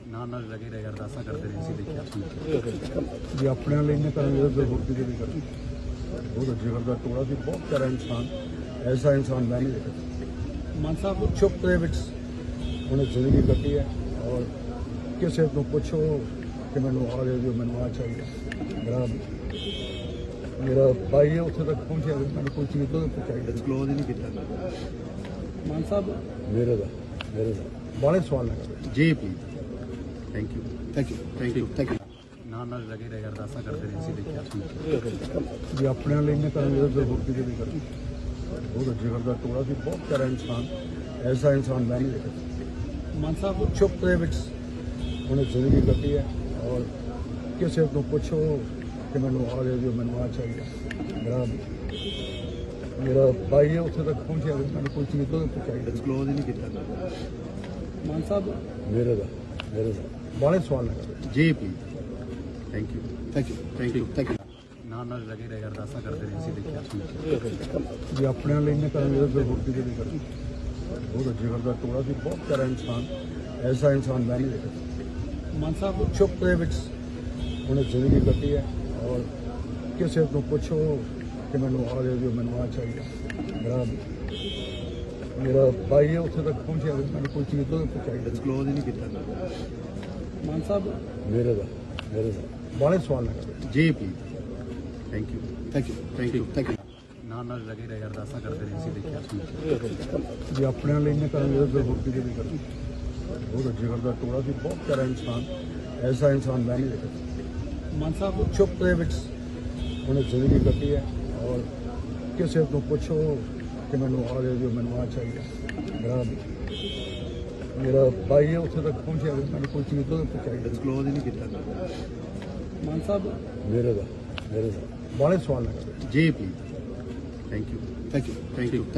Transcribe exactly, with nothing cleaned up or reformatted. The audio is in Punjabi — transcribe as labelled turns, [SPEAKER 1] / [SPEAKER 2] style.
[SPEAKER 1] ਨਾਲ ਨਾਲ ਲੱਗੇ ਰਹੇ ਅਰਦਾਸਾਂ ਕਰਦੇ ਰਹੇ ਸੀ ਦੇਖਿਆ
[SPEAKER 2] ਜੀ ਆਪਣੇ ਲਈ ਨੇ ਕਰਾਂਗੇ ਤੇ ਹੋਰ ਵੀ ਕਰਾਂਗੇ। ਬਹੁਤ ਜਿਗਰ ਦਾ ਟੋੜਾ ਸੀ, ਬਹੁਤ ਪਿਆਰਾ ਇਨਸਾਨ, ਐਸਾ ਇਨਸਾਨ ਮੈਂ ਨਹੀਂ ਦੇਖਿਆ।
[SPEAKER 1] ਮਾਨ ਸਾਹਿਬ
[SPEAKER 2] ਚੁੱਪ ਦੇ ਵਿੱਚ ਉਹਨੇ ਜ਼ਿੰਦਗੀ ਕੱਟੀ ਹੈ ਔਰ ਕਿਸੇ ਤੋਂ ਪੁੱਛੋ ਕਿ ਮੈਨੂੰ ਆ ਰਿਹਾ ਜੋ ਮੈਨੂੰ ਆ ਚਾਹੀਦਾ। ਮੇਰਾ ਮੇਰਾ ਭਾਈ ਹੈ ਉੱਥੇ ਤੱਕ ਪਹੁੰਚਿਆ, ਮੈਨੂੰ ਕੋਈ ਚੀਜ਼ ਤੋਂ ਚਾਹੀਦਾ
[SPEAKER 1] ਡਿਸਕਲੋਜ਼ ਹੀ ਨਹੀਂ ਕੀਤਾ। ਮਾਨ ਸਾਹਿਬ
[SPEAKER 2] ਮੇਰੇ ਦਾ ਮੇਰੇ ਦਾ ਬਾਲੇ ਸਵਾਲ ਲਗਾ
[SPEAKER 1] ਜੀ please thank you
[SPEAKER 2] thank you
[SPEAKER 1] thank you thank you ਨਾਲ ਨਾਲ ਲੱਗੇ ਰਹੇ ਅਰਦਾਸਾਂ ਕਰਦੇ ਰਹੇ ਸੀ ਦੇਖਿਆ
[SPEAKER 2] ਜੀ ਆਪਣੇ ਲਈ ਨੇ ਕਰਾਂਗੇ ਤੇ ਹੋਰ ਵੀ ਕਰਾਂਗੇ। ਬਹੁਤ ਜਿਗਰ ਦਾ ਟੋੜਾ ਸੀ, ਬਹੁਤ ਪਿਆਰਾ ਇਨਸਾਨ, ਐਸਾ ਇਨਸਾਨ ਮੈਂ ਨਹੀਂ ਦੇਖਿਆ।
[SPEAKER 1] ਮਾਨ ਸਾਹਿਬ
[SPEAKER 2] ਚੁੱਪ ਦੇ ਵਿੱਚ ਉਹਨੇ ਜ਼ਿੰਦਗੀ ਕੱਟੀ ਹੈ ਔਰ ਕਿਸੇ ਤੋਂ ਪੁੱਛੋ ਕਿ ਮੈਨੂੰ ਆ ਰਿਹਾ ਜੋ ਮੈਨੂੰ ਆ ਚਾਹੀਦਾ। ਮੇਰਾ ਮੇਰਾ ਭਾਈ ਹੈ ਉੱਥੇ ਤੱਕ ਪਹੁੰਚਿਆ, ਮੈਨੂੰ ਕੋਈ ਚੀਜ਼ ਤੋਂ ਚਾਹੀਦਾ
[SPEAKER 1] ਡਿਸਕਲੋਜ਼ ਹੀ ਨਹੀਂ ਕੀਤਾ। ਮਾਨ ਸਾਹਿਬ
[SPEAKER 2] ਮੇਰੇ ਦਾ ਮੇਰੇ ਦਾ ਬਾਲੇ ਸਵਾਲ ਲਗਾ
[SPEAKER 1] ਜੀ please thank you
[SPEAKER 2] thank you
[SPEAKER 1] thank you thank you ਨਾਲ ਨਾਲ ਲੱਗੇ ਰਹੇ ਅਰਦਾਸਾਂ ਕਰਦੇ ਰਹੇ ਸੀ ਦੇਖਿਆ
[SPEAKER 2] ਜੀ ਆਪਣੇ ਲਈ ਨੇ ਕਰਾਂਗੇ ਤੇ ਹੋਰ ਵੀ ਕਰਾਂਗੇ। ਬਹੁਤ ਜਿਗਰ ਦਾ ਟੋੜਾ ਸੀ, ਬਹੁਤ ਪਿਆਰਾ ਇਨਸਾਨ, ਐਸਾ ਇਨਸਾਨ ਮੈਂ ਨਹੀਂ ਦੇਖਿਆ।
[SPEAKER 1] ਮਾਨ ਸਾਹਿਬ
[SPEAKER 2] ਚੁੱਪ ਦੇ ਵਿੱਚ ਉਹਨੇ ਜ਼ਿੰਦਗੀ ਕੱਟੀ ਹੈ ਔਰ ਕਿਸੇ ਤੋਂ ਪੁੱਛੋ ਕਿ ਮੈਨੂੰ ਆ ਰਿਹਾ ਜੋ ਮੈਨੂੰ ਆ ਚਾਹੀਦਾ। ਮੇਰਾ ਮੇਰਾ ਭਾਈ ਹੈ ਉੱਥੇ ਤੱਕ ਪਹੁੰਚਿਆ, ਮੈਨੂੰ ਕੋਈ ਚੀਜ਼ ਤੋਂ ਚਾਹੀਦਾ
[SPEAKER 1] ਡਿਸਕਲੋਜ਼ ਹੀ ਨਹੀਂ ਕੀਤਾ। ਮਾਨ ਸਾਹਿਬ
[SPEAKER 2] ਮੇਰੇ ਦਾ ਮੇਰੇ ਦਾ ਬਾਲੇ ਸਵਾਲ ਲਗਾ
[SPEAKER 1] ਜੀ please thank you
[SPEAKER 2] thank you
[SPEAKER 1] thank you thank you ਨਾਲ ਨਾਲ ਲੱਗੇ ਰਹੇ ਅਰਦਾਸਾਂ ਕਰਦੇ ਰਹੇ ਸੀ ਦੇਖਿਆ
[SPEAKER 2] ਜੀ ਆਪਣੇ ਲਈ ਨੇ ਕਰਾਂਗੇ ਤੇ ਹੋਰ ਵੀ ਕਰਾਂਗੇ। ਬਹੁਤ ਜਿਗਰ ਦਾ ਟੋੜਾ ਸੀ, ਬਹੁਤ ਪਿਆਰਾ ਇਨਸਾਨ, ਐਸਾ ਇਨਸਾਨ ਮੈਂ ਨਹੀਂ ਦੇਖਿਆ।
[SPEAKER 1] ਮਾਨ ਸਾਹਿਬ
[SPEAKER 2] ਚੁੱਪ ਦੇ ਵਿੱਚ ਉਹਨੇ ਜ਼ਿੰਦਗੀ ਕੱਟੀ ਹੈ ਔਰ ਕਿਸੇ ਤੋਂ ਪੁੱਛੋ ਕਿ ਮੈਨੂੰ ਆ ਰਿਹਾ ਜੋ ਮੈਨੂੰ ਆ ਚਾਹੀਦਾ। ਮੇਰਾ ਮੇਰਾ ਭਾਈ ਹੈ ਉੱਥੇ ਤੱਕ ਪਹੁੰਚਿਆ, ਮੈਨੂੰ ਕੋਈ ਚੀਜ਼ ਤੋਂ ਚਾਹੀਦਾ
[SPEAKER 1] ਡਿਸਕਲੋਜ਼ ਹੀ ਨਹੀਂ ਕੀਤਾ। ਮਾਨ ਸਾਹਿਬ
[SPEAKER 2] ਮੇਰੇ ਦਾ ਮੇਰੇ ਦਾ ਬਾਲੇ ਸਵਾਲ ਲਗਾ
[SPEAKER 1] ਜੀ please thank you
[SPEAKER 2] thank you
[SPEAKER 1] thank you